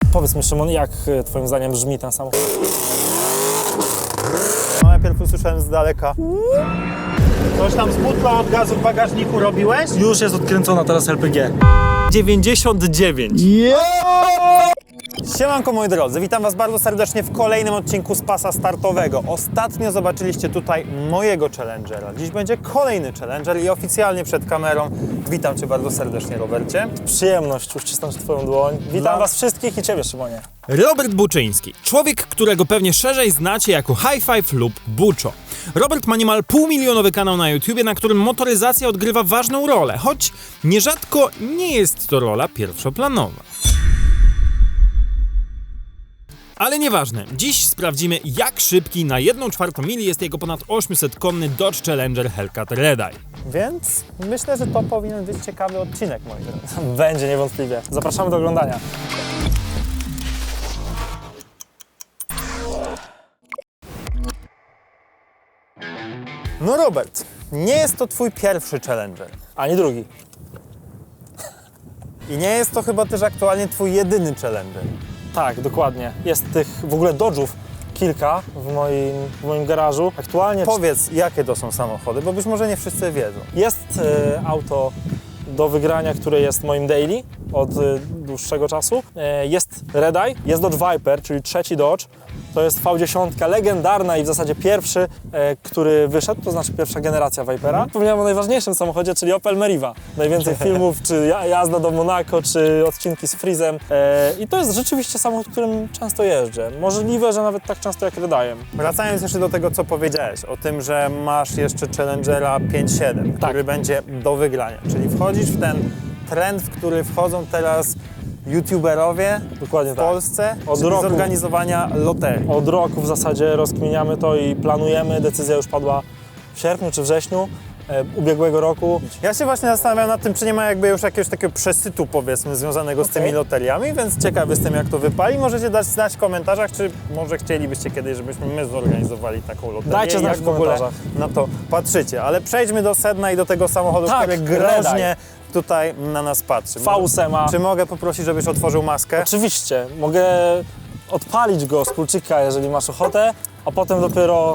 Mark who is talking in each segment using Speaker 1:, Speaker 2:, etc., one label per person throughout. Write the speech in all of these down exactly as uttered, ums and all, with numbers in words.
Speaker 1: Powiedz mi, Szymon, jak twoim zdaniem brzmi ten samochód?
Speaker 2: No, najpierw usłyszałem z daleka. Coś tam z butlą od gazu w bagażniku robiłeś?
Speaker 1: Już jest odkręcona teraz L P G. dziewięćdziesiąt dziewięć.
Speaker 2: Siemanko moi drodzy, witam was bardzo serdecznie w kolejnym odcinku z pasa startowego. Ostatnio zobaczyliście tutaj mojego Challengera. Dziś będzie kolejny Challenger i oficjalnie przed kamerą witam cię bardzo serdecznie, Robercie.
Speaker 1: Przyjemność uścisnąć twoją dłoń. Witam
Speaker 2: Dla-
Speaker 1: was wszystkich i ciebie, Szymonie.
Speaker 3: Robert Buczyński, człowiek, którego pewnie szerzej znacie jako High Five lub Buczo. Robert ma niemal półmilionowy kanał na YouTubie, na którym motoryzacja odgrywa ważną rolę, choć nierzadko nie jest to rola pierwszoplanowa. Ale nieważne, dziś sprawdzimy, jak szybki na jedną czwartą mili jest jego ponad osiemsetkonny Dodge Challenger Hellcat Red Eye.
Speaker 2: Więc myślę, że to powinien być ciekawy odcinek, moi drodzy.
Speaker 1: Będzie niewątpliwie. Zapraszamy do oglądania.
Speaker 2: No Robert, nie jest to twój pierwszy Challenger.
Speaker 1: Ani drugi.
Speaker 2: I nie jest to chyba też aktualnie twój jedyny Challenger.
Speaker 1: Tak, dokładnie. Jest tych w ogóle Dodge'ów kilka w moim, w moim garażu. Aktualnie
Speaker 2: Powiedz, jakie to są samochody, bo być może nie wszyscy wiedzą.
Speaker 1: jest e, auto do wygrania, które jest moim daily od e, dłuższego czasu. E, jest Red Eye, jest Dodge Viper, czyli trzeci Dodge. To jest V dziesięć, legendarna i w zasadzie pierwszy, e, który wyszedł, to znaczy pierwsza generacja Vipera. Powiedziałem o najważniejszym samochodzie, czyli Opel Meriva. Najwięcej filmów, czy ja- jazda do Monako, czy odcinki z Freezem. E, I to jest rzeczywiście samochód, którym często jeżdżę. Możliwe, że nawet tak często jak Red Eye'em.
Speaker 2: Wracając jeszcze do tego, co powiedziałeś, o tym, że masz jeszcze Challengera pięć siedem,
Speaker 1: Tak.
Speaker 2: który będzie do wygrania. Czyli wchodzisz w ten trend, w który wchodzą teraz youtuberowie
Speaker 1: Dokładnie
Speaker 2: w
Speaker 1: tak.
Speaker 2: Polsce,
Speaker 1: Od
Speaker 2: czyli
Speaker 1: roku.
Speaker 2: zorganizowania loterii.
Speaker 1: Od roku w zasadzie rozkminiamy to i planujemy. Decyzja już padła w sierpniu czy wrześniu e, ubiegłego roku.
Speaker 2: Ja się właśnie zastanawiam nad tym, czy nie ma jakby już jakiegoś takiego przesytu, powiedzmy, związanego z
Speaker 1: Okej.
Speaker 2: tymi loteriami, więc ciekawy jestem, jak to wypali. Możecie dać znać w komentarzach, czy może chcielibyście kiedyś, żebyśmy my zorganizowali taką loterię.
Speaker 1: Dajcie
Speaker 2: i
Speaker 1: znać
Speaker 2: jak
Speaker 1: w
Speaker 2: w ogóle
Speaker 1: komentarzach.
Speaker 2: na to patrzycie. Ale przejdźmy do sedna i do tego samochodu,
Speaker 1: Tak,
Speaker 2: który
Speaker 1: Red
Speaker 2: groźnie tutaj na nas patrzy.
Speaker 1: V osiem.
Speaker 2: Czy mogę poprosić, żebyś otworzył maskę?
Speaker 1: Oczywiście, mogę odpalić go z kluczyka, jeżeli masz ochotę, a potem dopiero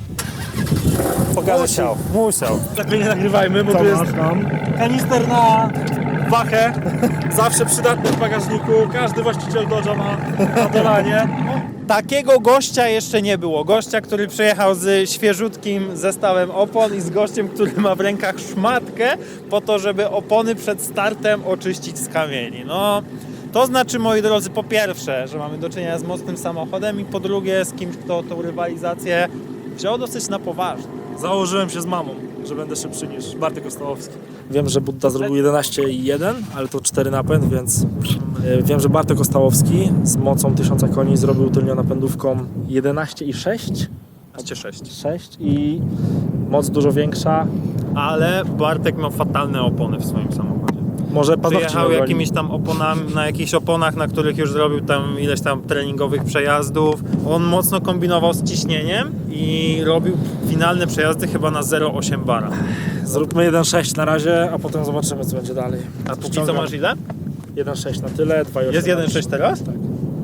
Speaker 1: pokażę ci.
Speaker 2: Musiał, musiał.
Speaker 1: Lepiej nie nagrywajmy, bo tu jest kanister na wachę, zawsze przydatny w bagażniku, każdy właściciel Dodge'a ma na dolanie.
Speaker 2: Takiego gościa jeszcze nie było. Gościa, który przyjechał z świeżutkim zestawem opon i z gościem, który ma w rękach szmatkę po to, żeby opony przed startem oczyścić z kamieni. No, to znaczy, moi drodzy, po pierwsze, że mamy do czynienia z mocnym samochodem i po drugie z kimś, kto tą rywalizację wziął dosyć na poważnie.
Speaker 1: Założyłem się z mamą, że będę szybszy niż Bartek Ostałowski. Wiem, że Budda zrobił jedenaście i jeden, ale to cztery napęd, więc e, wiem, że Bartek Ostałowski z mocą tysiąc koni zrobił tylnią napędówką jedenaście i sześć.
Speaker 2: sześć.
Speaker 1: sześć i moc dużo większa.
Speaker 2: Ale Bartek miał fatalne opony w swoim samochodzie.
Speaker 1: Może paznokci
Speaker 2: Przyjechał
Speaker 1: nie
Speaker 2: jakimiś tam oponami, na jakichś oponach, na których już zrobił tam ileś tam treningowych przejazdów. On mocno kombinował z ciśnieniem i robił finalne przejazdy chyba na zero przecinek osiem bara.
Speaker 1: Zróbmy jeden sześć na razie, a potem zobaczymy, co będzie dalej.
Speaker 2: A póki co
Speaker 1: Ściągam
Speaker 2: masz ile?
Speaker 1: jeden sześć na tyle, dwa i osiem.
Speaker 2: Jest jeden sześć teraz?
Speaker 1: Tak.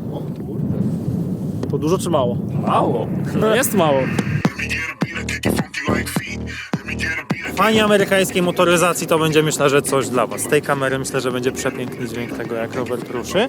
Speaker 1: To dużo czy mało?
Speaker 2: Mało.
Speaker 1: No jest mało.
Speaker 2: Fani amerykańskiej motoryzacji to będzie, myślę, że coś dla was. Z tej kamery myślę, że będzie przepiękny dźwięk tego, jak Robert ruszy.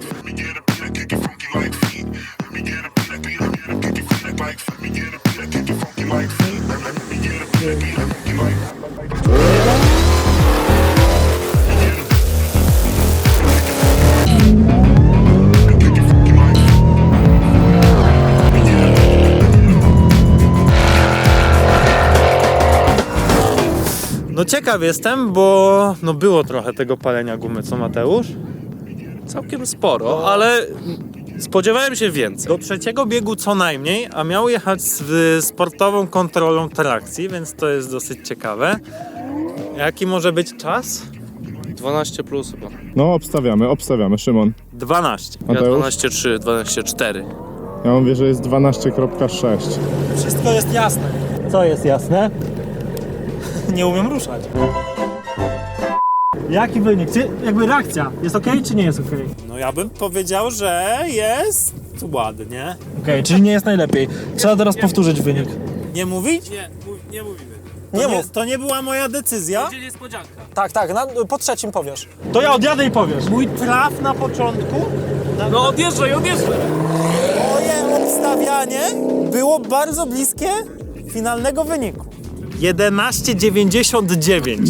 Speaker 2: No ciekaw jestem, bo no było trochę tego palenia gumy, co Mateusz?
Speaker 4: Całkiem sporo, ale spodziewałem się więcej.
Speaker 2: Do trzeciego biegu co najmniej, a miał jechać z sportową kontrolą trakcji, więc to jest dosyć ciekawe. Jaki może być czas?
Speaker 4: dwanaście plus chyba.
Speaker 5: No, obstawiamy, obstawiamy. Szymon.
Speaker 2: dwanaście.
Speaker 4: Ja
Speaker 5: Mateusz?
Speaker 4: dwanaście trzy, dwanaście cztery.
Speaker 5: Ja mówię, że jest dwanaście sześć.
Speaker 1: Wszystko jest jasne.
Speaker 2: Co jest jasne?
Speaker 1: Nie umiem ruszać. Jaki wynik? Czy jakby reakcja jest ok, czy nie jest ok?
Speaker 2: no ja bym powiedział, że jest ładnie.
Speaker 1: Okej, czyli nie jest najlepiej. Trzeba teraz powtórzyć wynik.
Speaker 2: Nie mówić?
Speaker 4: Nie, nie mówimy.
Speaker 2: To
Speaker 1: Nie
Speaker 2: nie,
Speaker 1: mów.
Speaker 2: to nie była moja decyzja.
Speaker 4: Będzie niespodzianka.
Speaker 1: Tak, tak, na, po trzecim powiesz. To ja odjadę i powiesz.
Speaker 2: Mój traf na początku,
Speaker 4: No odjeżdżaj, odjeżdżaj!
Speaker 2: moje obstawianie było bardzo bliskie finalnego wyniku. jedenaście dziewięćdziesiąt dziewięć.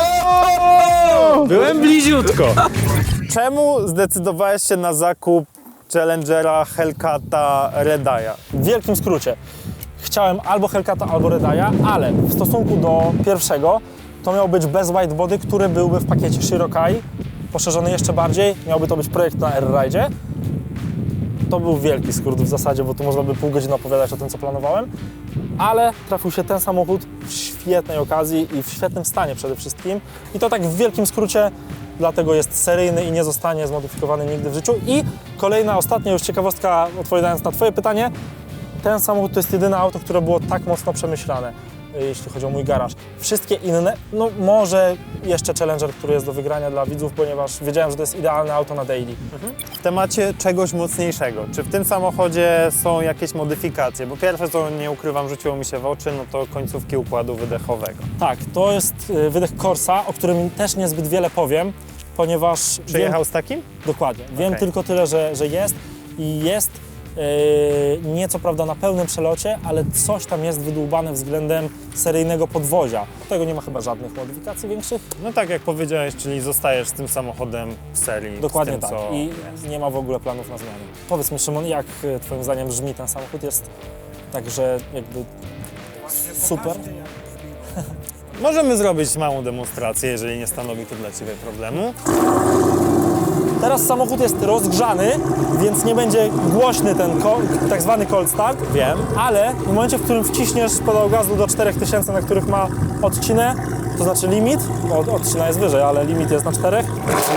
Speaker 2: Byłem bliziutko. Czemu zdecydowałeś się na zakup Challengera, Hellcata, Redaya?
Speaker 1: W wielkim skrócie. Chciałem albo Hellcata, albo Redaya, ale w stosunku do pierwszego to miał być bez whitebody, który byłby w pakiecie Shirokai, poszerzony jeszcze bardziej. Miałby to być projekt na Air-Ride'zie. To był wielki skrót w zasadzie, bo tu można by pół godziny opowiadać o tym, co planowałem. Ale trafił się ten samochód w świetnej okazji i w świetnym stanie przede wszystkim. I to tak w wielkim skrócie, dlatego jest seryjny i nie zostanie zmodyfikowany nigdy w życiu. I kolejna, ostatnia już ciekawostka, odpowiadając na Twoje pytanie. Ten samochód to jest jedyne auto, które było tak mocno przemyślane, jeśli chodzi o mój garaż. Wszystkie inne, no może jeszcze Challenger, który jest do wygrania dla widzów, ponieważ wiedziałem, że to jest idealne auto na daily.
Speaker 2: W temacie czegoś mocniejszego. Czy w tym samochodzie są jakieś modyfikacje? Bo pierwsze, co nie ukrywam, rzuciło mi się w oczy, no to końcówki układu wydechowego.
Speaker 1: Tak, to jest y, wydech Corsa, o którym też niezbyt wiele powiem, ponieważ...
Speaker 2: Przyjechał
Speaker 1: wiem,
Speaker 2: z takim?
Speaker 1: dokładnie. Wiem
Speaker 2: Okej.
Speaker 1: tylko tyle, że, że jest i jest yy, nie co prawda na pełnym przelocie, ale coś tam jest wydłubane względem seryjnego podwozia. Tego nie ma chyba żadnych modyfikacji większych.
Speaker 2: No tak jak powiedziałeś, czyli zostajesz z tym samochodem w serii.
Speaker 1: Dokładnie
Speaker 2: z tym,
Speaker 1: tak.
Speaker 2: co
Speaker 1: I
Speaker 2: jest.
Speaker 1: nie ma w ogóle planów na zmianę. Powiedz mi, Szymon, jak y, Twoim zdaniem brzmi ten samochód? Jest także jakby super?
Speaker 2: Możemy zrobić małą demonstrację, jeżeli nie stanowi to dla Ciebie problemu.
Speaker 1: Teraz samochód jest rozgrzany, więc nie będzie głośny ten ko- tak zwany cold start.
Speaker 2: Wiem.
Speaker 1: Ale w momencie, w którym wciśniesz pedał gazu do czterech tysięcy, na których ma odcinę, to znaczy limit, bo odcina jest wyżej, ale limit jest na czterech.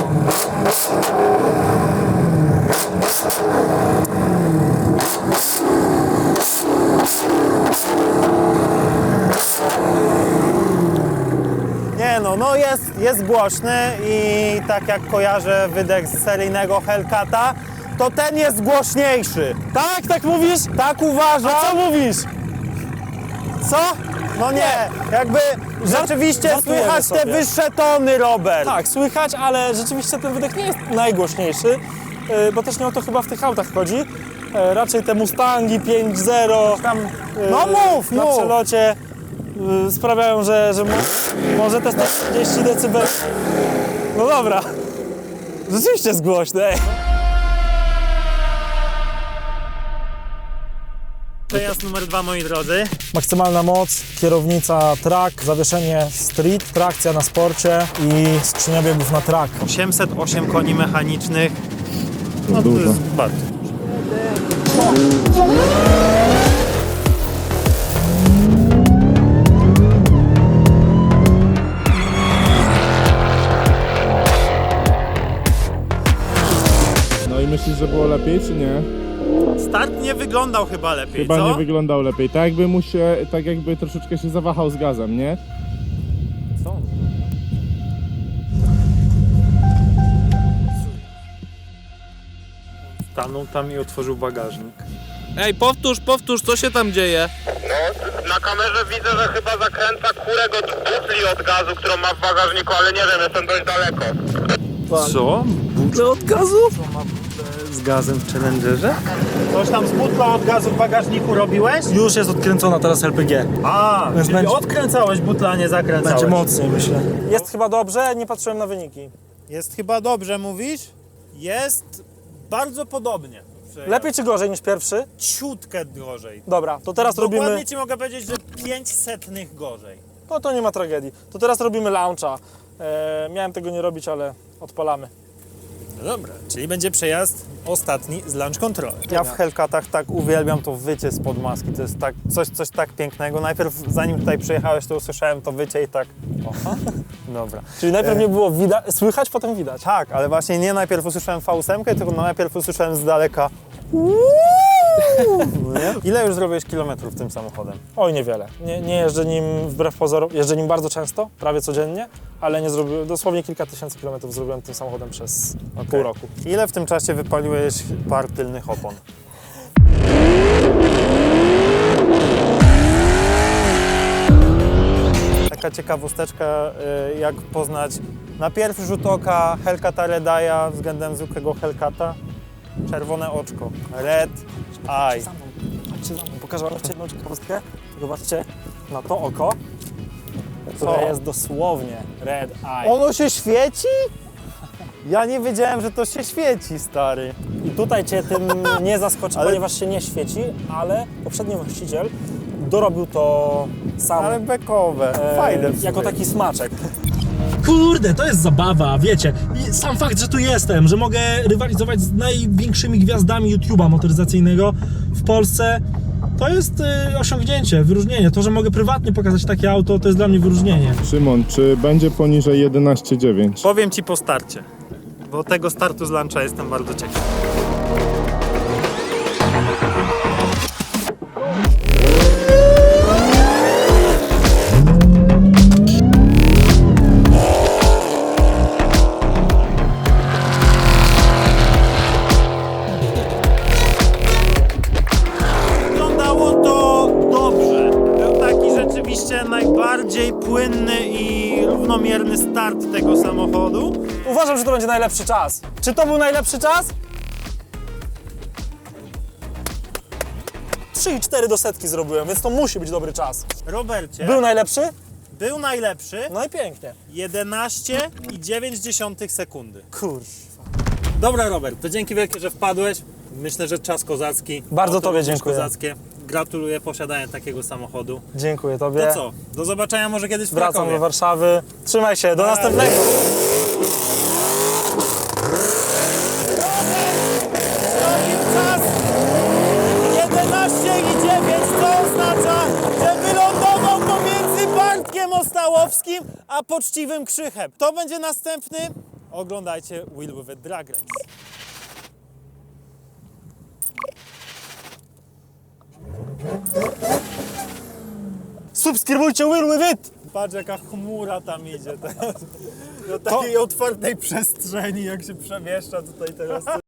Speaker 2: Nie no, no jest, jest głośny i tak jak kojarzę wydech z seryjnego Hellcata, to ten jest głośniejszy.
Speaker 1: Tak, tak mówisz?
Speaker 2: Tak uważam.
Speaker 1: A co mówisz?
Speaker 2: Co? No nie, jakby rzeczywiście
Speaker 1: żartujemy
Speaker 2: słychać te
Speaker 1: sobie.
Speaker 2: wyższe tony, Robert.
Speaker 1: Tak, słychać, ale rzeczywiście ten wydech nie jest najgłośniejszy, yy, bo też nie o to chyba w tych autach chodzi. Yy, raczej te Mustangi pięć zero tam yy,
Speaker 2: No mów,
Speaker 1: na
Speaker 2: mów.
Speaker 1: przelocie yy, sprawiają, że, że mo- może te sto trzydzieści decybeli. No dobra, rzeczywiście jest głośny. Ej.
Speaker 2: Przejazd numer dwa, moi drodzy.
Speaker 1: Maksymalna moc, kierownica track, zawieszenie street, trakcja na sporcie i skrzynia biegów na track.
Speaker 2: osiemset osiem koni mechanicznych. No to
Speaker 5: Dużo.
Speaker 2: jest bardzo.
Speaker 5: No i myślisz, że było lepiej, czy nie?
Speaker 2: Start nie wyglądał chyba lepiej,
Speaker 5: Chyba
Speaker 2: co?
Speaker 5: nie wyglądał lepiej. Tak jakby mu się, tak jakby troszeczkę się zawahał z gazem, nie?
Speaker 2: Co? Stanął tam i otworzył bagażnik.
Speaker 4: Ej, powtórz, powtórz, co się tam dzieje?
Speaker 6: No, na kamerze widzę, że chyba zakręca kurek od butli od gazu, którą ma w bagażniku, ale nie wiem, jestem dość daleko.
Speaker 2: Co? Butle od gazu? Co ma butlę z gazem w Challengerze? Coś tam z butlą od gazu w bagażniku robiłeś?
Speaker 1: Już jest odkręcona teraz L P G.
Speaker 2: A,
Speaker 1: Więc
Speaker 2: czyli
Speaker 1: będzie-
Speaker 2: odkręcałeś butlę, a nie zakręcałeś.
Speaker 1: Będzie mocniej, myślę. Jest chyba dobrze, nie patrzyłem na wyniki.
Speaker 2: Jest chyba dobrze, mówisz? Jest bardzo podobnie.
Speaker 1: Lepiej czy gorzej niż pierwszy?
Speaker 2: Ciutkę drożej.
Speaker 1: Dobra, to teraz
Speaker 2: Dokładnie
Speaker 1: robimy...
Speaker 2: ci mogę powiedzieć, że pięć setnych gorzej.
Speaker 1: No to nie ma tragedii. To teraz robimy launcha. E, miałem tego nie robić, ale odpalamy.
Speaker 2: No dobra, czyli będzie przejazd ostatni z launch control. Ja w Hellcatach tak uwielbiam to wycie spod maski, to jest tak, coś, coś tak pięknego. Najpierw zanim tutaj przyjechałeś, to usłyszałem to wycie i tak... Oha. Dobra.
Speaker 1: Czyli najpierw
Speaker 2: E.
Speaker 1: nie było widać, słychać, potem widać.
Speaker 2: Tak, ale właśnie nie najpierw usłyszałem V osiem, tylko najpierw usłyszałem z daleka Ile już zrobiłeś kilometrów tym samochodem?
Speaker 1: Oj, niewiele. Nie, nie jeżdżę nim wbrew pozorom, jeżdżę nim bardzo często, prawie codziennie, ale nie zrobiłem, dosłownie kilka tysięcy kilometrów zrobiłem tym samochodem przez pół roku.
Speaker 2: Ile w tym czasie wypaliłeś par tylnych opon? Taka ciekawosteczka, y, jak poznać na pierwszy rzut oka Hellcata Redaya względem zwykłego Hellcata. Czerwone oczko, red eye.
Speaker 1: Za mną, chodźcie za mną, pokażę wam jeszcze jedną ciekawostkę. Zobaczcie na to oko, które
Speaker 2: Co?
Speaker 1: jest dosłownie red eye.
Speaker 2: Ono się świeci? Ja nie wiedziałem, że to się świeci, stary.
Speaker 1: I tutaj cię tym nie zaskoczy,
Speaker 2: Ale-
Speaker 1: ponieważ się nie świeci, ale poprzedni właściciel dorobił to sam
Speaker 2: Ale bekowe,
Speaker 1: e,
Speaker 2: fajne w sumie.
Speaker 1: jako taki smaczek.
Speaker 7: Kurde, to jest zabawa, wiecie. I sam fakt, że tu jestem, że mogę rywalizować z największymi gwiazdami YouTube'a motoryzacyjnego w Polsce, to jest y, osiągnięcie, wyróżnienie. To, że mogę prywatnie pokazać takie auto, to jest dla mnie wyróżnienie.
Speaker 5: Szymon, czy będzie poniżej jedenaście dziewięć?
Speaker 2: Powiem ci po starcie, bo tego startu z luncha jestem bardzo ciekaw. Wyglądało to dobrze. Był taki rzeczywiście najbardziej płynny i równomierny start tego samochodu.
Speaker 1: Uważam, że to będzie najlepszy czas. Czy to był najlepszy czas? trzy i cztery do setki zrobiłem, więc to musi być dobry czas.
Speaker 2: Robercie,
Speaker 1: Był najlepszy?
Speaker 2: był najlepszy
Speaker 1: No i pięknie.
Speaker 2: jedenaście i dziewięć dziesiątych sekundy.
Speaker 1: Kurczę.
Speaker 2: Dobra, Robert, to dzięki wielkie, że wpadłeś. Myślę, że czas kozacki.
Speaker 1: Bardzo
Speaker 2: Auto
Speaker 1: tobie
Speaker 2: również
Speaker 1: dziękuję.
Speaker 2: Kozackie. Gratuluję posiadania takiego samochodu.
Speaker 1: Dziękuję tobie.
Speaker 2: To co? Do zobaczenia może kiedyś w
Speaker 1: Wracam
Speaker 2: Krakowie.
Speaker 1: do Warszawy. Trzymaj się, do
Speaker 2: Na
Speaker 1: następnego.
Speaker 2: Czas jedenaście i dziewięć, co oznacza, że wylądował pomiędzy Bartkiem Ostałowskim a poczciwym Krzychem. Kto będzie następny? Oglądajcie Wheel with It Drag Race.
Speaker 1: Subskrybujcie Will With It!
Speaker 2: Patrz jaka chmura tam idzie teraz. Do takiej otwartej przestrzeni, jak się przemieszcza tutaj teraz.